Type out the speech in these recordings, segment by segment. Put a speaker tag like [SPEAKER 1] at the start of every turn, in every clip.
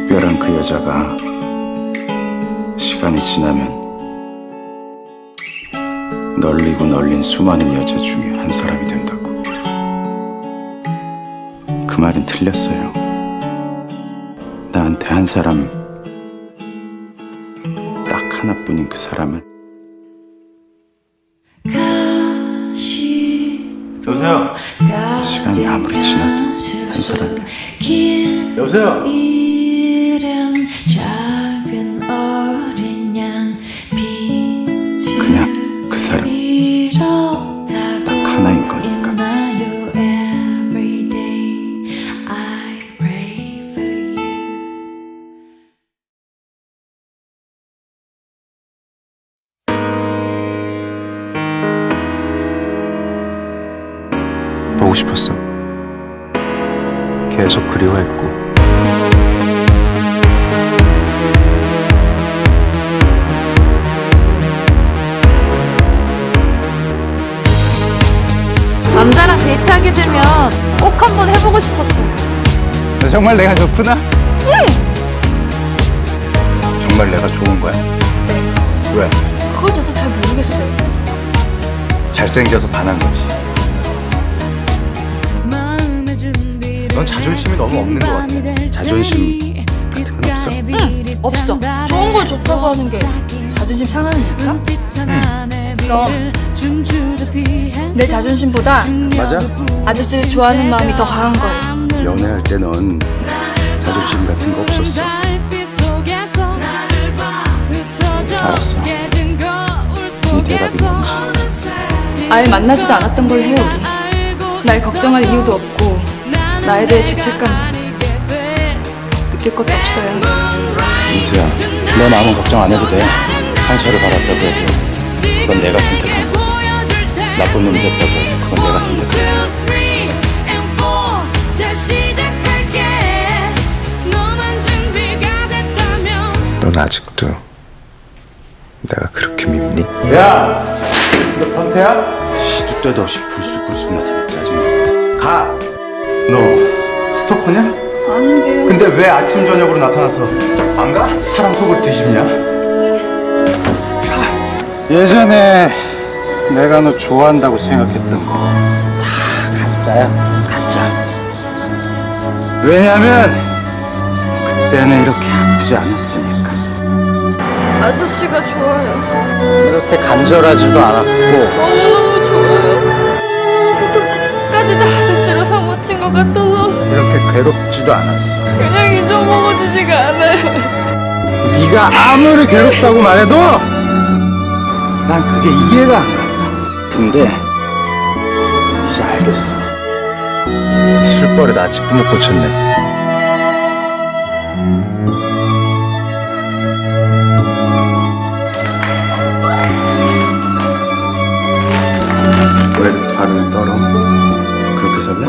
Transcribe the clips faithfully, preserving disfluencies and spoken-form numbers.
[SPEAKER 1] 특별한 그 여자가 시간이 지나면 널리고 널린 수많은 여자 중에 한 사람이 된다고. 그 말은 틀렸어요. 나한테 한 사람, 딱 하나뿐인 그 사람은
[SPEAKER 2] 여보세요?
[SPEAKER 1] 시간이 아무리 지나도 한 사람이야.
[SPEAKER 2] 여보세요?
[SPEAKER 1] 그냥 그 사람 딱 하나인 거니까. 보고 싶었어. 계속 그리워했고.
[SPEAKER 3] 남자랑 데이트하게 되면 꼭 한번 해보고 싶었어요.
[SPEAKER 1] 너 정말 내가 좋구나? 응! 정말 내가 좋은 거야?
[SPEAKER 3] 네.
[SPEAKER 1] 왜?
[SPEAKER 3] 그거 저도 잘 모르겠어요.
[SPEAKER 1] 잘생겨서 반한 거지. 넌 자존심이 너무 없는 것 같아. 자존심 같은 건 없어?
[SPEAKER 3] 응, 없어. 좋은 걸 좋다고 하는 게 자존심 상하는 일인가?
[SPEAKER 1] 응.
[SPEAKER 3] 그럼 내 자존심보다
[SPEAKER 1] 맞아?
[SPEAKER 3] 아저씨를 좋아하는 마음이 더 강한 거예요.
[SPEAKER 1] 연애할 때 넌 자존심 같은 거 없었어. 알았어. 네 대답이 뭔지.
[SPEAKER 3] 아예 만나지도 않았던 걸 해요, 우리. 날 걱정할 이유도 없고 나에 대해 죄책감 느낄 것도 없어요.
[SPEAKER 1] 민수야, 내 마음은 걱정 안 해도 돼. 상처를 받았다고 해도 그건 내가 선택한 거. 나쁜 놈 됐다고 해도 그건 내가 선택한 거. 넌 아직도 내가 그렇게 밉니?
[SPEAKER 2] 야! 너 변태야?
[SPEAKER 1] 시도 때도 없이 불쑥불쑥 나타나 짜증나. 가! 너 스토커냐?
[SPEAKER 3] 아닌데요.
[SPEAKER 1] 근데 왜 아침 저녁으로 나타나서 안 가? 사람 속을 뒤집냐? 예전에 내가 너 좋아한다고 생각했던 거 다 가짜야, 가짜. 왜냐면 그때는 이렇게 아프지 않았으니까.
[SPEAKER 3] 아저씨가 좋아요.
[SPEAKER 1] 이렇게 간절하지도 않았고.
[SPEAKER 3] 너무너무 좋아요. 또 끝까지 다 아저씨로 사무친 것 같아서
[SPEAKER 1] 이렇게 괴롭지도 않았어.
[SPEAKER 3] 그냥 잊어먹어지지가 않아요.
[SPEAKER 1] 네가 아무리 괴롭다고 말해도 난 그게 이해가 안 간다. 근데 이제 알겠어. 술버릇 아직도 못 고쳤네. 왜 이렇게 발을 떨어? 그렇게 설레?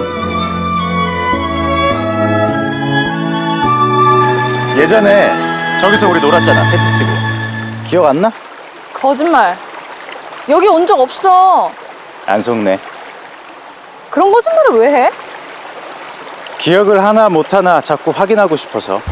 [SPEAKER 1] 예전에 저기서 우리 놀았잖아, 패트 치고. 기억 안 나?
[SPEAKER 3] 거짓말. 여기 온 적 없어.
[SPEAKER 1] 안 속네.
[SPEAKER 3] 그런 거짓말을 왜 해?
[SPEAKER 1] 기억을 하나 못하나 자꾸 확인하고 싶어서.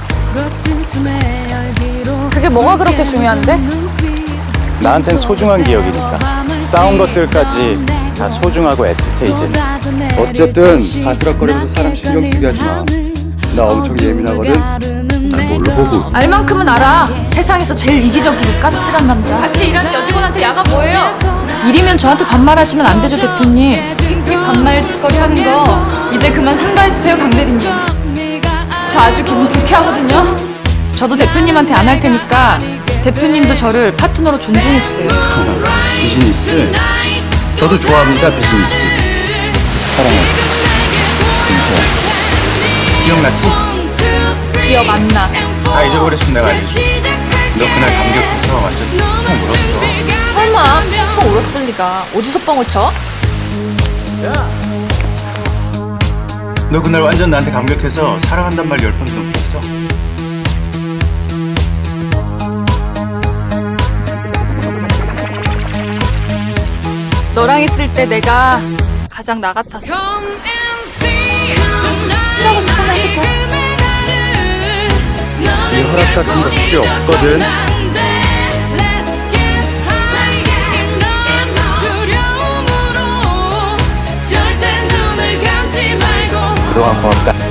[SPEAKER 3] 그게 뭐가 그렇게 중요한데?
[SPEAKER 1] 나한텐 소중한 기억이니까. 싸운 것들까지 다 소중하고 애틋해 이제는. 어쨌든 바스락거리면서 사람 신경 쓰게 하지 마. 나 엄청 예민하거든. 날 뭘로 보고.
[SPEAKER 3] 알 만큼은 알아. 세상에서 제일 이기적이고 까칠한 남자. 같이 일하는 여직원한테 야가 뭐예요? 일이면 저한테 반말하시면 안 되죠, 대표님. 이 반말 짓거리 하는 거 이제 그만 삼가해주세요, 강대리님. 저 아주 기분 불쾌하거든요. 저도 대표님한테 안 할 테니까 대표님도 저를 파트너로 존중해주세요.
[SPEAKER 1] 비즈니스. 저도 좋아합니다, 비즈니스. 사랑해. 민서야. 기억났지?
[SPEAKER 3] 기억 안 나.
[SPEAKER 1] 다 잊어버렸으면 내가 알지. 너 그날 감격해서 완전 펑 울었어.
[SPEAKER 3] 설마 펑 울었을 리가. 어디서 뻥을 쳐?
[SPEAKER 1] 너 그날 완전 나한테 감격해서 사랑한단 말 열 번 넘게 했어.
[SPEAKER 3] 너랑 있을 때 내가 가장 나 같아서. 칠하고 싶으면 해도 돼.
[SPEAKER 1] 같은 거 필요 없거든. 그동안 고맙다.